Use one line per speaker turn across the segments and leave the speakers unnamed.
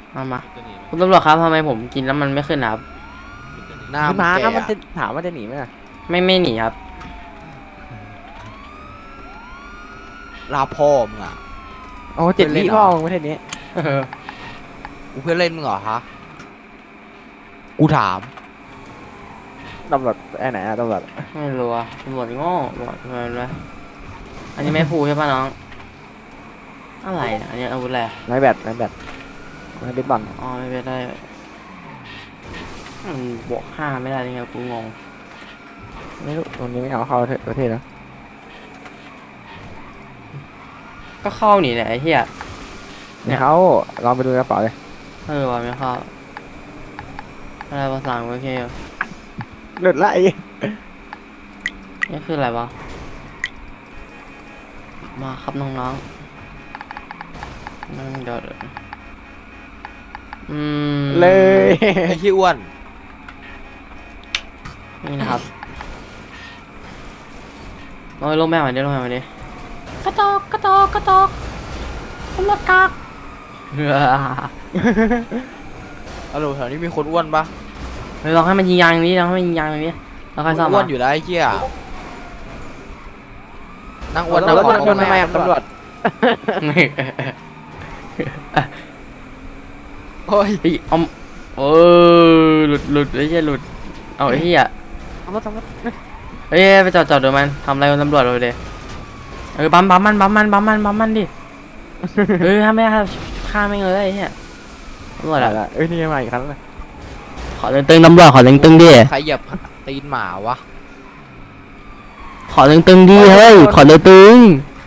มาคุณตำรวจครับทำไมผมกินแล้วมันไม่ขึ้นครับ
หน้า
มา
แก่
มันจะถามว่าจะหนีไหม
ไม่หนีครับ
ลาพ่อมึงอ่ะ
โอ้7 วิพ่อประเทศนี้
กูเพื่อนเล่นมึงเหรอฮะกูถาม
ตำรวจไอ้ไหนอะตำรวจ
ไม่รู้อะตำรวจโง่ตำรวจทำไมวะอันนี้ไม่พูดใช่ป่ะน้องอะไรเนี่ยอันนี้อาวุธอะไร
ไม้แบตไม้เบสบอล
อ๋อไม่ได้มันบวก5ไม่ได้ยังไงกูงง
ไม่รู้ตรงนี้ไม่เอาเข้าประเทศแล้ว
ก็เข้าหนีแหละไอ้เหี้ย
เนี่ยเขาลองไปดูกระเป๋าเลย
ว่ะไม่เข้าอะไรภาษาโอเค
หลุดละไอ้
นี่คืออะไรวะมาครับน้องๆนั่งเดี๋ยว
เลย
ไอ้ขี้อ้วน
นี่นะครับลงแม่มาดิลงแม่มาดิกระตอกตำรวจกาก
ฮัลโหลแถวนี้มีคนอ้วนปะ
ลองให้มันยิงยางนี้ลองให้มันยิงยางนี้แล้วค่อยซ่อม
อ้วนอยู่แล้วไอ้เหี้ยนั่งอ้วน
แล้ว
นั่ง
มันทำไมตำรวจ
โอ้ย
เฮ้ยหลุดไอ้เหี้ยหลุดเอาไอ้เหี้ย
ตำรวจ
เฮ้ยไปจอดดูมันทำอะไรกับตำรวจเลยบัมมันดิถ้าไม่ฆ่าไม่งเลยไอ้เหี้ยตำรวจอะ
เอ้ยนี่มาอีกครั้งเลย
ขอตึงตำรวจขอตึงดิ
ใครเหยียบตีนหมาวะ
ขอตึงดิเฮ้ยขอตึง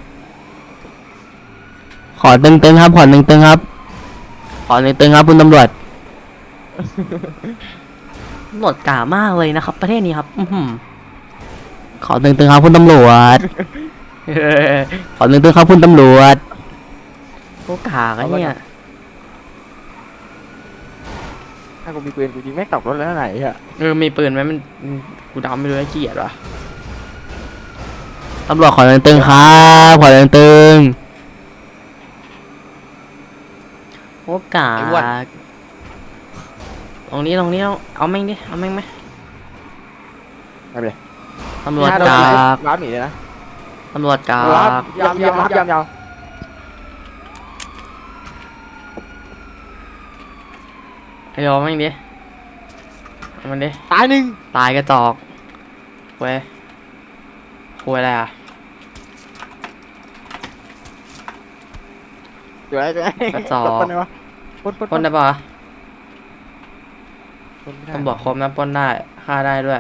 ขอตึงครับขอตึงครับขอตึงครับคุณตำรวจตำรวจกล้ามากเลยนะครับประเทศนี้ครับขอตึงครับคุณตำรวจขอตึงครับคุณตำรวจโอ้กากอะเนี่ย
ถ้ากูมีปืนกูยิงแม่งตกรถแล้วไหนอะ
มีปืนไหมมันกูดำไม่รู้ไอ้เกียดวะตำรวจขอตึงครับขอตึงโอ้กากตรงนี้เอาแม่งดิเอาแม่งไหม
ไปเลย
ตำรวจกาก
ร้านหนีเลยนะ
ตำรวจกาก
ยาว
ไอ้ยอแม่งดิเอามันดิ
ตายหนึ่ง
ตายกระจอกเว้ยคุยอะไรอ่ะ
สวย
กระจอก
ปนได้ปะปน
ปล้นได้ปะวะ
ปนไม่ได้
ตำรวจครบนะปล้นได้ฆ่าได้ด้วย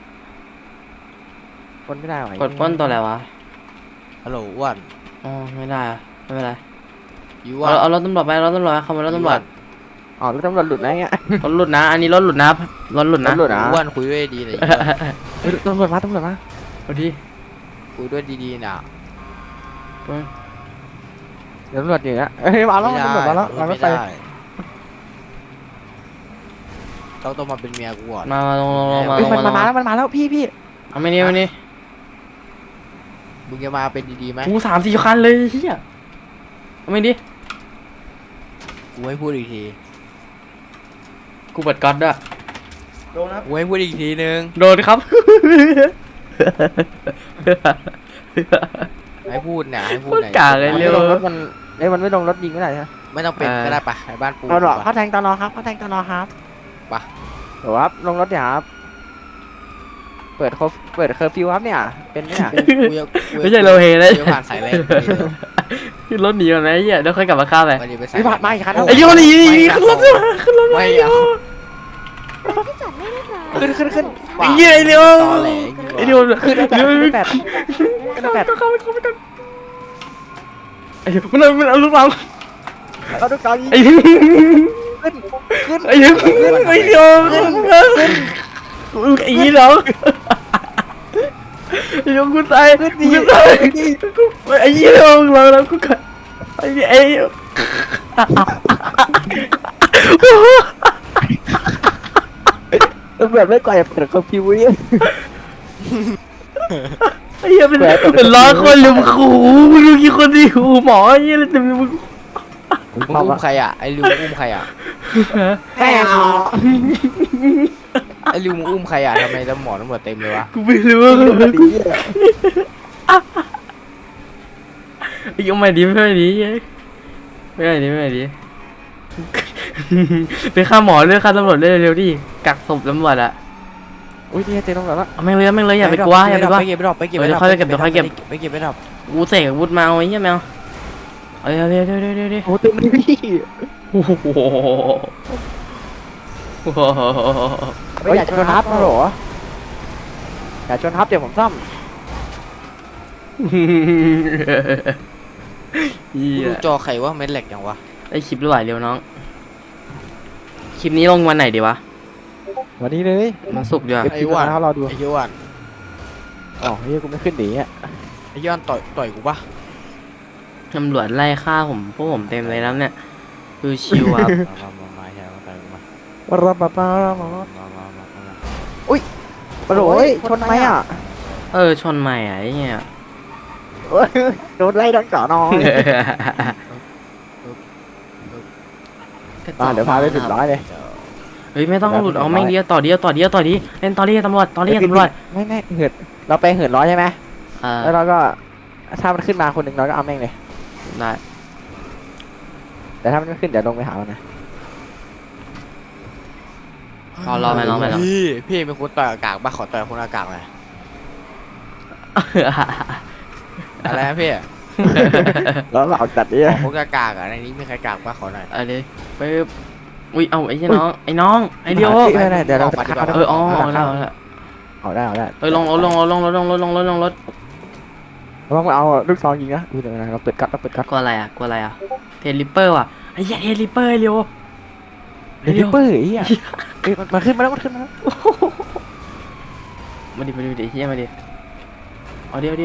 ปนไม่ได้หร
กดปล้นตัวอะไรวะ
ฮัลโหลอ้วน
อ๋อไม่ได้อะไม่เป็นไร
อีอ้วน
เอารถตำรวจไปรถตำรวจขโมยรถตำรวจ
อ๋อแล้วตำรวจหลุดนะเงี้ย
รถหลุดนะ อันนี้รถหลุดนะรถหลุดนะ
รถหลุด
อ้วนคุยด้วยดีหน่อย
ตำรวจมา
เอาดิ
คุยด้วยดีๆน่ะ
เดี๋ยวตำรวจอย่างเงี้ยเฮ้ยมาแล้วตำรวจมาแล้วมาแล้วไป
ต้องมาเป็นเมียกูก่อน
มาลง
มันมาแล้วพี่
เอาไม่นี่
มึงจะมาเป็นดีๆไหม
กู3-4 คันเลยเฮียเอาไม่ดิ
กูให้พูดอีกที
กูเปิดก๊อตด้วย
กูให้พูดอีกทีนึง
โดนครับ
ให้พูดเนี่ยให้พูด
พูด
หน่อย
กากเลย
ไม่
เร็ว
ลงรถมันไม่ลงรถยิงไม่ได้ใช่ไหม
ไม่ต้องเป็นก็ได้ปะในบ้านปู
ตำรวจเขาแทงตลอครับเดี๋ยวครับลงรถเนี่ยครับเปิดเคอร์ฟิวครับเนี่ยเป็นเนี่ย
ไม่ใช่โลเฮเลย
กูผ่านสายแรง
ขึ้นรถหนีก่อนไหมเฮียเดี๋ยวค่อยกลับมาฆ่าไป
ไปดิไปสาย
ไม่ผ่านมาอีกคัน
ไอ้เหี้ยหนีขึ้นรถมา
ไม่เอา
ขึ้น
ไอ้เหี้ยไอ้เร็ว
ตอแหล
ไอ้เร็ว
ขึ้นแปด
เข้าไอ้เหี้ยมันเอาลูกเรา
เราดูก่อน
ไอ้เหี้ย
ขึ้น
ไอ้เหี้ยไอ้เหี้ยไอ้เหี้ยเราไอ้เหี้ยกูตายกูตายไอ้เหี้ยเรากูกันไอ้เหี้ยไอ้เหี้ย
ตำรวจไม่ก่อยเปิดเคอร์ฟิวเนี่ย
ไอ้เหี้ยเป็นล้อคนลืมขู่มึงดูกี่คนดิขู่หมอไอ้เหี้ยเลยจะมีมึง
มึงอุ้มใครอ่ะไอ้ลิวอุ้มใครอ่ะ
ไม่เอา
ไอ้ริวมึงอุ้มใครอ่ะทำไมตำรวจเต็มเลยวะ
กูไม่รู้ยังไม่ดีไม่ดีไม่ดีไม่ดีไปฆ่าหมอเลยฆ่าตำรวจเลยเร็วดิกักศพตำรวจอะ
อุ้ยนี่เจอตำรวจแล้ว
เอาไม่เลยไม่เลยอย่าไปกลัวอย่าไปกลัว
ไปเก็บไปดอกไปเก็บ
เดี๋ยวค่อยเก็บเดี๋ยวค่อยเก็บ
ไปเก็บไปดอก
กูเสกอาวุธมาเอาไอ้เหี้ยแมวเอาเร็วเร็ว
โอ้เต็มเลยพี่
โอ้โห
ไม่อยากชนทับนะหรออยากชนทับเดี๋ยวผมซ่อม
เหี้
กู
ย
ดูจอใครว่าเม็ดเหล็กยังวะ
ได้คลิปหรือเปล่าเร็วน้องคลิปนี้ลงวันไหนดีวะ
วันนี้เลย
มันสุกร์ดีวะ
ไอ้อ้วนเขารอดู
ไอ้ย้วน
อ๋อเฮ้ยกูไม่ขึ้นหนีอ่ะ
ไอ้ย้วนต่อยกูปะ
ตำรวจไล่ฆ่าผมพวกผมเต็มเลยแล้วเนี่ยคือชิวครับ
มาใช่มาต่อยกูมา
รับมาอุ้ยปะโหลยชนไหมอ่ะ
ชนใหม่อะไอ้เงี้ย
โดนไล่โดนเจาะนอนเดี๋ยวพาไปถึงร้อยเลย
เฮ้ยไม่ต้องหลุดเอาไม่เดียวต่อเดียวเล่นต่อเดียวตำรวจ
ไม่เหินเราไปเหินร้อยใช่ไหม
อ่า
แล้วเราก็ถ้ามันขึ้นมาคนหนึ่งเราก็เอาแม่งเลย
ได้
แต่ถ้ามันไม่ขึ้นเดี๋ยวลงไปหามันนะ
รอไปน้องไปน้อง
พี่เป็นคนต่อยอากาศปะขอต่อยคนอากาศหน่อยอะไรนะพี่
แล้วเราจัดดิ
ขอคนอากาศอ่ะในนี้มีใครกากปะขอหน่อย
เอาเลยไปอุ้ยเอาไอ้น้องไอ้น้องไอ้เดียว
เดี๋ยวเรา
อ๋อได้
เอาได้
ลงรถ
เราต้องเอาลูกซองยิงนะดูเดี๋ยวนะเราเปิดกัด
กลัวอะไรอ่ะเทลิปเปอร์ว่ะไอ้เหี้ยเทลิปเปอร์เร็ว
ลิปเปอร์ไอ้เหี้ยมันขึ้นมาแล้ว
มาดิเฮียมาดิเอาเดียว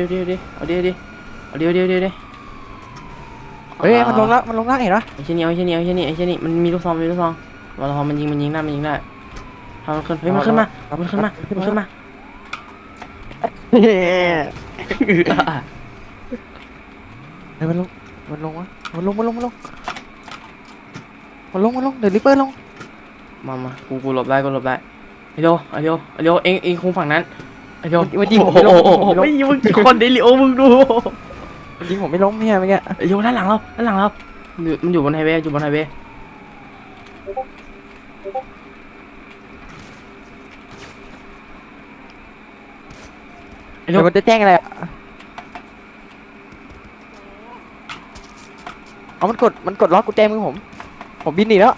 เฮ้ยมันลงแล้วเห็นปะ
ไอ้เช่นนี้มันมีลูกซองมันยิงได้ทำมันขึ้นเฮ้ยมันขึ้นมา
เฮ้ยมันลงเดี๋ยวลิปเปอร์ลง
มากูหลบได้ไอ้เดียวเอ็งคงฝั่งนั้นไอ้เดียว
มันยิงผม
ไม่ยิงมึงคนเดลิโอมึงดู
ยิงผมไม่ล้มเนี่ยเมื่อกี้
ไอ้เดียวด้านหลังเรามันอยู่บนไฮเวย์ไอ้เดี
เดี๋
ย
ยว วมันจะแจ้งอะไรเอามันกดล็อกกุญแจมือผมบินหนีแล้ว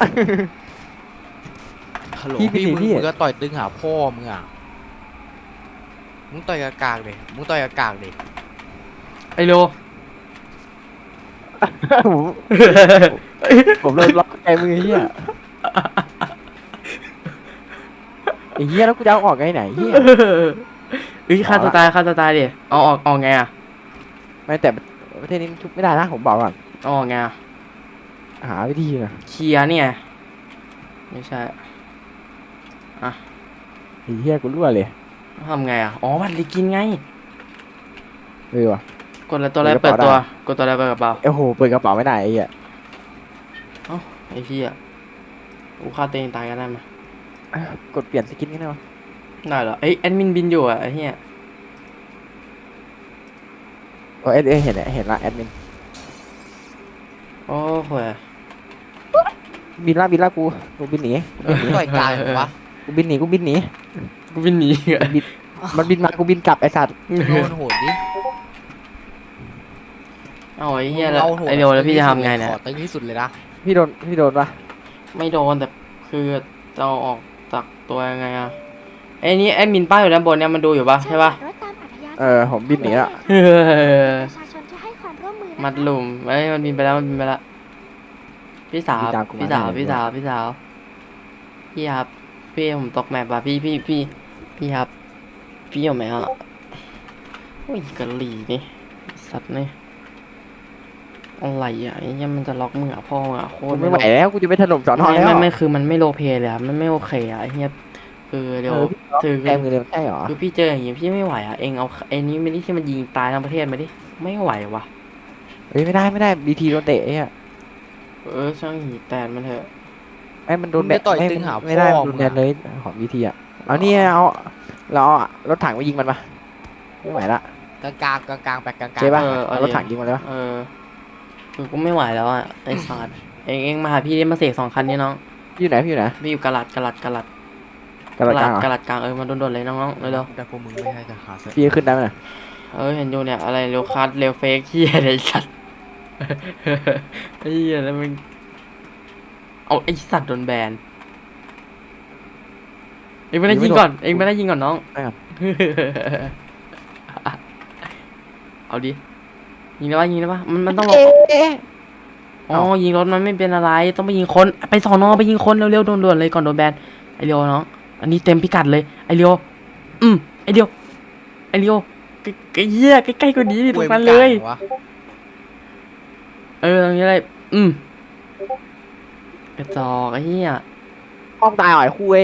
ฮัลโหล
พี่
พี่
พี่
มึงก็ต่อยตึงหาพ่อมึงอ่ะมึงต่อยอากาศดิ
ไอ้โล
ผมเลยล็อกกุญแจมือเฮียไอ้เฮียแล้วกูจะเอาออกไงไหนเฮีย
เฮ้ยฆ่าตัวตายดิเอาออกไงอ่ะ
ไม่แต่ประเทศนี้มันชุบไม่ได้นะผมบอกก่อน
เอาออกไงอ่ะ
หาวิธีนะ
เคลียร์เนี่ยไม่ใช่
ไอ้เฮียกูรั่วเลย
ทำไงอ่ะอ๋อบัตรลิกินไง
ว่ะ
กดตัวอะไรเปิดตัวกดตัวอะไรเปิดกระเป๋า
โอ้โหเปิดกระเป๋าไม่ได้ไอ้เฮีย
ไอ้พี่อ่ะกูฆ่าตัวเองตายกันได้ไหม
กดเปลี่ยนสกินกันได้ปะ
ได้เหรอเอ้ยแอดมินบินอยู่อ่ะไอ้เหี้ย
โอ้เห็นละแอดมิน
โอ้โห
บินละกูบินหนี
มึงต่อยกลางเหรอวะ
กูบินหนี
กูบินหนีอ่ะ
มันบินมากูบินกลับไอ้สัตว์
โดนโหดดิ
เอาไอ้เหี้ยแล้วไอ้เดียวแล้วพี่จะทำไงเนี่ย
ขอตึงที่สุดเลยนะ
พี่โดนปะ
ไม่โดนแต่คือจะเอาออกจากตัวยังไงอ่ะไอ้นี่แอดมินป้าอยู่ด้านบนเนี่ยมันดูอยู่ปะใช่ปะ
ผมบินหนีละ
ประชาชนที่ให้ความร่วมมือนะคะ
มัดหลุมเอ้ยมันบินไปแล้วพี่สาวครับพี่ครับพี่ผมตกแมปว่ะพี่ครับพี่อยู่ไหมอ่ะโอ้ยกะหรี่นี่สัตว์นี่อะไรอ่ะไอ้เนี่ยมันจะล็อกมือพ่ออ่ะโค
กู
ตร
ไม่ไหวแล้วกูจะไปถล่มสอนอแล้ว
ไม่คือมันไม่โลเพเลยอ่ะมันไม่โอเคอ่ะไอ้เนี่ยคือเดี๋ยวคือ
แกมือเลยใช่หรอ
คือพี่เจออย่างงี้พี่ไม่ไหวอ่ะเองเอาไอ้นี้ไม่ได้ที่มันยิงตายทั้งประเทศมาดิไม่ไหวว่ะ
เฮ้ยไม่ได้บีทีโดนเตะไอ้เหี้ย
ช่างหีแตนมันเถอะ
ไอ้มันโดน
มึ
แบ
งจะต่อย
ไม่
ตึงหา
ไม่ได้
พ่อ
มันโดน
มึง
แบ
อะ
นเลยของวีทีอ่ะเอานี่เอาเราเอารถถังไปยิงมันปะไม่ไหวละ
กลางกลางไปกลาง
เจ๊ปะ
เอา
เอารถถังยิงมันเลยปะ
เออคือกูไม่ไหวแล้วอ่ะไอ้สัตว์เองมาหาพี่ได้มาเสก2 คันนี่น้อง
พี่อยู่ไหนพี่อยู่ไหน
พี่อยู่กะลัด
กระโดดกลางเหรอก
ะลัดกลางมันโดนๆเลยน้องๆเร็ว
แต่พวกมึงไม่ให้จะหาเส
พี่ขึ้นได้ไหมน่ะ
เห็นอยู่เนี่ยอะไรเร็วคัสเร็วเฟกเฮียอะไรสัตว์ ไอ้เหี้ยแล้วมึงเอาไอ้สัตว์โดนแบนเองไม่ได้ยิงก่อนน้อง
ได้ครับ
เอาดิยิงได้ปะมันต้องลงอ๋อยิงรถมันไม่เป็นอะไรต้องไปยิงคนไปสอนอไปยิงคนเร็วๆด่วนๆเลยก่อนโดนแบนไอเรียวน้องอันนี้เต็มพิกัดเลยไอเรียวไอเรียวใกล้เหี้ยใกล้ๆกว่านี้ดิตรงนั้นเลย
วะ
ตรงนี้เลยกระจอกไอ้เหี้ย
ห้องตายอ่อยคุย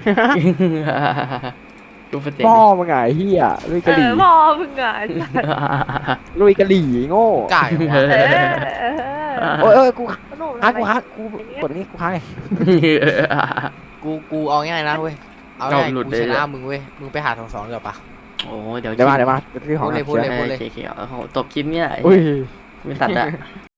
ดูประเด็น
พ่อมึงไงเฮียลุยกะหรี่
พ่อมึงอ่ะ
ลุยกะหรี่โง่
กล้าอย่างวะ
โอ้ยกู
หนู
ค้างกูกดนี่กูค้างไง
กูเอาง่ายนะเว้ยเอาง่าย
เอาหลุด
กู
เลย
ช
เหร
นะ
อ
มึงเว้ยมึงไปหา2-2เดี๋ยวปะ
โอ้เดี๋ยว
เดี๋ยวมาที่ของ
พูดเลย
โอเคเอาจบคลิปเนี่ย
อุ้ย
ไม่ตัดอะ